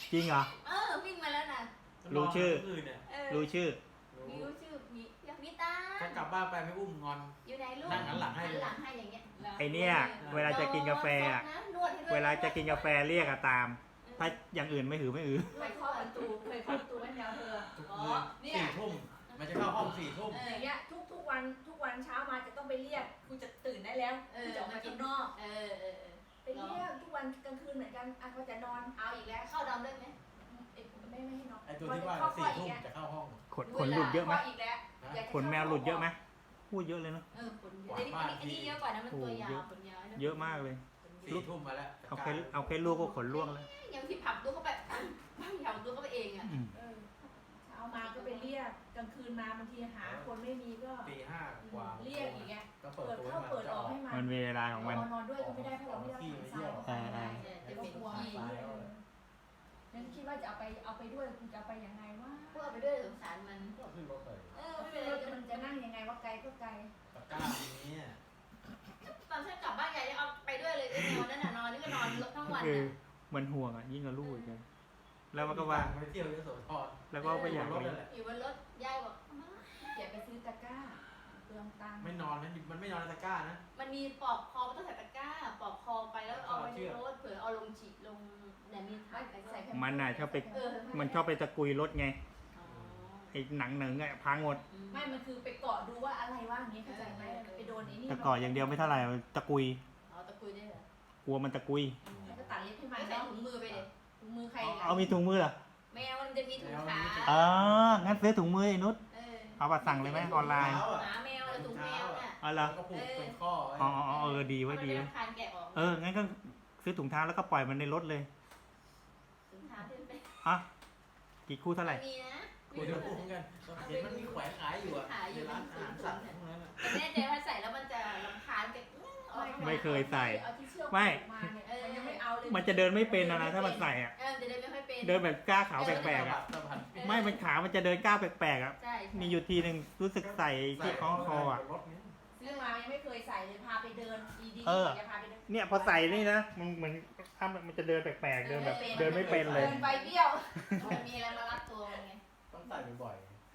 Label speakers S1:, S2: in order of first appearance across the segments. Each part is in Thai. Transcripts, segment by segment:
S1: จริงเหรอ
S2: วิ่งมาแล้วนะ
S1: รู้ชื่อ รู้ชื่อ
S2: มีรู้ชื่อมีอยากมีตา
S3: ถ้ากลับบ้านไปไม่อุ้มงอน
S2: อยู่ไหนลูก
S3: นั่งหันหลังให้
S2: หันหลังให้อย่างเงี้ย
S1: ไอเนี่ยเวลาจะกินกาแฟอะ
S2: นวดให้ด้วย
S1: เวลาจะกินกาแฟเรียกอะตาม ถ้าอย่างอื่นไม่หือไม่อือ
S4: ไปเคาะประตูเคยเคาะประตูให้แมวเธอ
S3: ทุก
S4: อ๋อ
S3: คืน
S4: เนี่ย
S3: 4 ทุ่มมันจะเข้าห้อง4 ทุ่ม
S4: อย่างเงี้ยทุกวันเช้ามาจะต้องไปเรียกคุณจะตื่นได้แล้วคุณจะออกมาข้างนอก
S2: เออ
S4: ไปเรียกทุกวันกลางคืนเหมือนกันเขาจะนอน
S2: เอาอีกแล้วเข้าดำได้ไหม
S4: ไม่ให้นอน
S3: ไอตัวที่ว่า4 ทุ่มจะเข้าห้อง
S1: ขนหลุดเยอะไหม
S4: อีกแล้ว
S1: ขนแมวหลุดเยอะไหมพูดเยอะเลยเนาะ
S2: ขนเยอะอันนี้เยอะกว่านะมันตัวยาวขนยาว
S1: เยอะมากเลย
S3: 4 ทุ่มมาแล้ว
S1: เอาแค่ลูกก็ขนร่วงแล้ว
S2: ยังที่ผับตัวเข้าไปผับตัวเข้าไปเองอ่ะ
S4: เช้ามาก็ไปเรียกกลางคืนมาบางทีหาคนไม่มีก็
S3: ตี 5 กว่า
S4: เรียกอย่างเงี้ย
S3: ก็เปิด
S4: เปิด
S3: ตัว
S4: เข้าเปิดออกให้มา
S1: มันเวลาของมัน
S4: นอนด้วยก็ไม่ได้เพราะเราไม่ได้ทรายเข้าไปไม่ได้
S2: จะเป็นขี้
S4: นั่นคิดว่าจะเอาไปด้วยคุณจะเอาไปยังไงวะ
S2: พวกเอาไปด้วยสงสารมัน
S3: ก็ขึ้นรถไป
S2: ไม่เป็นไร
S4: มันจะนั่งยังไงว่าไกลก็ไกล
S3: ตะกร้าทีนี้
S2: ตอนฉันกลับบ้านใหญ่จะเอาไปด้วยเลยไอ้แมวนั่นน่ะนอนนี่ก็นอนทั้งวัน
S1: คือ
S2: น่ะ
S1: มันห่วงอ่ะยิ่งกับลูกอีกเลยแล้วมันก็ว่า
S3: ไปเที่ยวยโสธร
S1: แล้วก็ไปอยาก
S3: รถ
S1: เลี้ยง
S3: นั่นแหละ
S2: อยู่บนรถยายบอก
S4: อย่าไปซื้อตะกร้าเปลืองตังค์
S3: ไม่นอนนะมันไม่นอนในตะกร้านะ
S2: มันมีปลอกคอมันต้องใส่ตะกร้าปลอกคอไปแล้วเอาไปในรถเผื่อเอาลงฉีดลงเนี่ยมีถังใส่
S1: มันน่ะชอบไปมันชอบไปตะกุยรถไงไอ้หนังอ่ะพังหมด
S4: ไม่มันคือไปเกาะดูว่าอะไรว่าอย่างนี้เข้าใจไหมไปโดนไอ้นี่
S1: แต่ก่อนอย่างเดียวไม่เท่าไหร่ตะกุย
S2: เอาตะกุยได้เหรอก
S1: ลัวมันตะกุย
S4: แล้วก็ตัดเล็บให้มั
S2: ไม่
S4: น
S2: ใส่
S4: เนาะ
S2: ถุงมือไปเลย
S4: ถุงมือใคร
S1: เอามีถุงมือเหรอ
S2: แมวมันจะมีถุงขา
S1: อ๋องั้นซื้อถุงมือไอ้นุช เอาบัตรสั่งเลยไหมออนไลน์
S2: หมาแมวถุงแมวน่ะ
S1: อ๋อเหรอ
S3: ก็ผูกเป็นข้อ
S1: อ๋อดีไว้ดีไว้
S2: คานแกะออก
S1: งั้นก็ซื้อถุงเท้าแล้วก็ปล่อยมันในรถเลย
S2: ถุงเท้าที่เป็น
S1: อ่ะกี่คู่เท่าไหร่
S2: มีนะ
S3: คุยกับผูกเหมือนกันเห็นมันมีแขวนขายอยู่อ่ะในร้านอาหารสัตว์พวกนั้นอ่ะ
S2: แต่แน่ใจว่าใส่แล้วมันจะรำคาญกัน
S1: ไม่เคยใส่
S4: เอาที่เชือก
S1: ไม่
S4: มาเนี่ยมันยังไม่เอาเลย
S1: มันจะเดินไม่เป็นนะถ้ามันใส่อ่ะ
S2: จะเดินไม่ค่อยเป็น
S1: เดินแบบก้าวขาวแปลกๆอ่ะ
S3: สะบัด
S1: ไม่มันขามันจะเดินก้าวแปลกๆอ่ะ
S2: ใช่
S1: มีอยู่ทีหนึ่งรู้สึกใส่ที่คล้องคออ่ะ
S3: รถนี้
S4: ซื้อมายังไม่เคยใส่เลยพาไปเดินดี
S1: เออ
S4: จะพาไปเดิน
S1: เนี่ยพอใส่นี่นะมันเหมือนถ้ามันจะเดินแปลกๆเดินแบบเดินไม่เป็นเลย
S4: เดินไปเบี้ยว
S2: มันมีอะไรมารัดตัวมันไง
S3: ต้องใส่บ่อย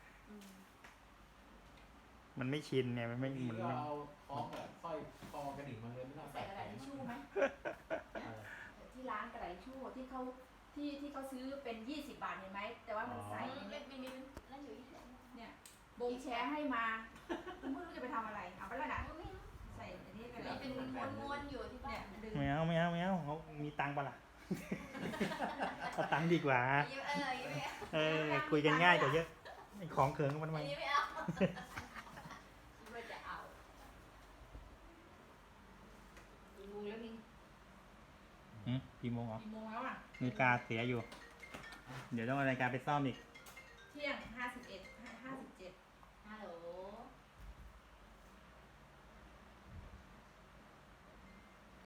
S1: มันไม่ชินเนี่ยมันไม่
S3: ๆ
S1: เหมือน
S3: ก็เอาคล้องแบบสร้อยคอกระดิ่งมาเลยไม่ต้อง
S4: ใส่กระดาษทิชชู่ไหมที่ร้านกระดาษทิชชู่ที่เขาซื้อเป็น20 บาทเห็นไหมแต่ว่ามันใส่
S2: มีนั่นอยู่ที่
S4: เนี่ยบงแชร์ให้มาคุณไม่รู้จะไปทำอะไรเอาไปแล้วนะใส่อันนี้กันเลย
S2: เป็นม้วนๆอยู่ที่บ้า
S4: เนี่ย
S2: น
S4: ดึง
S1: ไม่เอาเขามีตังค์ปะล่ะ เอาตังค์ดีกว่า คุยกันง่ายกว่าเยอะไอ้ของเขิงมันทำไม
S2: อันนี้ไม่เอาคิดว่าจะเอาลุงแล้วนี่
S1: กี่โมงเหรอ
S4: กี่โมงแล้วอ่ะ
S1: นาฬิกาเสียอยู่ เดี๋ยวต้องเอานาฬิกาไปซ่อมอีก
S4: เที่ยง51